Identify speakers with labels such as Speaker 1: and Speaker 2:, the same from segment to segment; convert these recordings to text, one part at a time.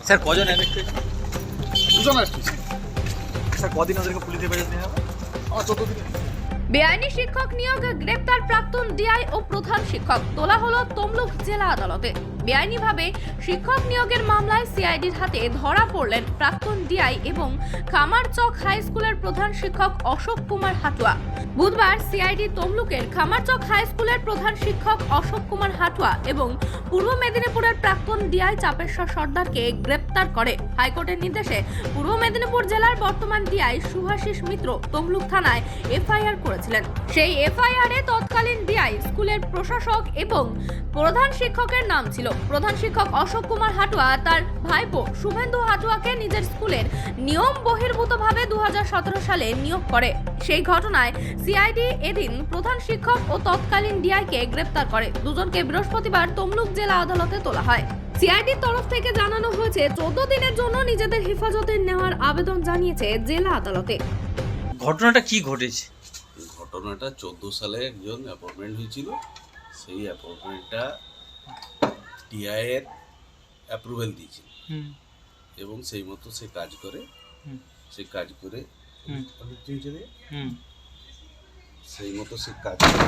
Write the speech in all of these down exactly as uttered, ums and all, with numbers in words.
Speaker 1: Sir কজন arrest হয়েছে?
Speaker 2: দুজন অ্যারেস্ট হয়েছে।
Speaker 1: স্যার কদিন ওদেরকে পুলিশ হেফাজতে নেওয়া হবে?
Speaker 2: আমার চোদ্দ দিনে।
Speaker 3: বেআইনি শিক্ষক নিয়োগে গ্রেপ্তার প্রাক্তন ডিআই ও প্রধান শিক্ষক তোলা হলো তমলুক জেলা আদালতে। বেআইনিভাবে শিক্ষক নিয়োগের মামলায় সিআইডির হাতে ধরা পড়লেন প্রাক্তন ডিআই এবং খামারচক হাই স্কুলের প্রধান শিক্ষক অশোক কুমার হাটুয়া। বুধবার সিআইডি তমলুকের খামারচক হাই স্কুলের প্রধান শিক্ষক অশোক কুমার হাটুয়া এবং পূর্ব মেদিনীপুরের প্রাক্তন ডিআই চাপেশ্বর সর্দারকে গ্রেপ্তার করে। হাইকোর্টের নির্দেশে পূর্ব মেদিনীপুর জেলার বর্তমান ডিআই শুভাশিস মিত্র তমলুক থানায় এফআইআর করেছিলেন। সেই এফআইআর এ তৎকালীন ডিআই স্কুলের প্রশাসক এবং প্রধান শিক্ষকের নাম ছিল। প্রধান শিক্ষক অশোক কুমার হাটুয়া তার ভাইপো শুভেন্দু হাটুয়াকে নিজের স্কুলের নিয়ম বহির্ভূতভাবে দু হাজার সতেরো সালে নিয়োগ করে। সেই ঘটনায় সিআইডি এদিন প্রধান শিক্ষক ও তৎকালীন ডিআইকে গ্রেপ্তার করে। দুজনকে বৃহস্পতিবার তমলুক জেলা আদালতে তোলা হয়। সিআইডির তরফ থেকে জানানো হয়েছে চোদ্দ দিনের জন্য নিজেদের হেফাজতে নেওয়ার আবেদন জানিয়েছে জেলা আদালতে।
Speaker 1: ঘটনাটা কি ঘটেছে?
Speaker 4: ঘটনাটা চোদ্দো সালে একজন অ্যাপয়েন্টমেন্ট হয়েছিল। সেই অ্যাপয়েন্টমেন্টটা টিআইয়ের অ্যাপ্রুভেল দিয়েছিল এবং সেই মতো সে কাজ করে সে কাজ করে সেই মতো সে কাজ করে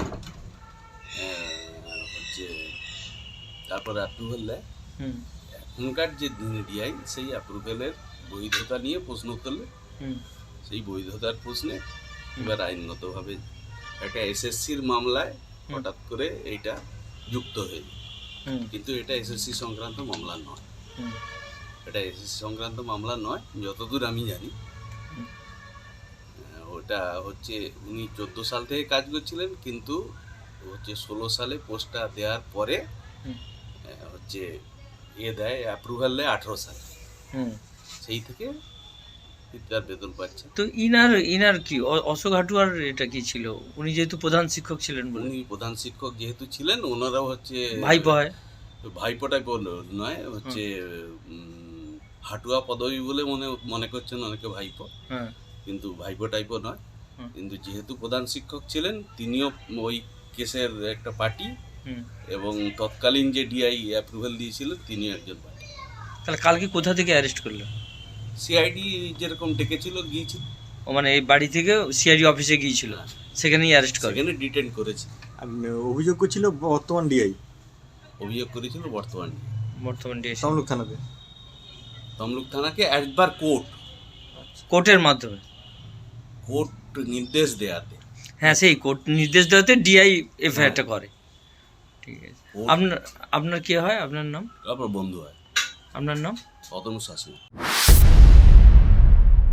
Speaker 4: হচ্ছে তারপরে অ্যাপ্রুভেল দেয়। এখনকার যে ডিআই সেই অ্যাপ্রুভেলের বৈধতা নিয়ে প্রশ্ন করলে সেই বৈধতার প্রশ্নে এবার আইনগতভাবে একটা এসএসসির মামলায় হঠাৎ করে এইটা যুক্ত হয়ে যায়, কিন্তু এটা এসএসসি সংক্রান্ত মামলা নয়। এটা এসএসসি সংক্রান্ত মামলা নয় যতদূর আমি জানি। ওটা হচ্ছে উনি চোদ্দো সাল থেকে কাজ করছিলেন, কিন্তু হচ্ছে ষোলো সালে পোস্টটা দেওয়ার পরে হচ্ছে এ দেয় অ্যাপ্রুভাল দেয় আঠেরো সালে, সেই থেকে তার বেতন পাচ্ছে।
Speaker 1: তো ইনার ইনার কি অশোক হাটুয়ার এটা কি ছিল? উনি যেহেতু প্রধান শিক্ষক ছিলেন বলে।
Speaker 4: উনি প্রধান শিক্ষক যেহেতু ছিলেন, ওনারাও হচ্ছে
Speaker 1: ভাইপো হয়,
Speaker 4: ভাইপো টাইপও নয়, হচ্ছে হাটুয়া পদবী বলে মনে মনে করছেন অনেকে ভাইপো, কিন্তু ভাইপো টাইপও নয়। কিন্তু যেহেতু প্রধান শিক্ষক ছিলেন, তিনিও ওই কেসের একটা পার্টি এবং তৎকালীন যে ডিআই অ্যাপ্রুভাল দিয়েছিল তিনিও একজন পার্টি।
Speaker 1: তাহলে কালকে কোথা থেকে অ্যারেস্ট করলো?
Speaker 4: সিআইডি যেরকম ডেকেছিল গিয়েছিল।
Speaker 1: ও মানে এই বাড়ি থেকে সিআইডি অফিসে গিয়েছিল, সেখানেই অ্যারেস্ট করে,
Speaker 4: সেখানে ডিটেন করেছে।
Speaker 5: অভিযোগ করছিল বর্তমান ডিআই,
Speaker 4: অভিযোগ করেছিল বর্তমান
Speaker 1: বর্তমান ডিআই
Speaker 5: তমলুক থানাতে।
Speaker 4: তমলুক থানাকে একবার কোর্ট
Speaker 1: কোর্টের মাধ্যমে
Speaker 4: কোর্ট নির্দেশ দেয়াতে,
Speaker 1: হ্যাঁ সেই কোর্ট নির্দেশ দেওয়াতে ডিআই এফআইআরটা করে। ঠিক আছে, আপনার আপনার কি হয়? আপনার নাম?
Speaker 4: আপনার বন্ধু হয়।
Speaker 1: আপনার নাম?
Speaker 4: অতনু শাসন।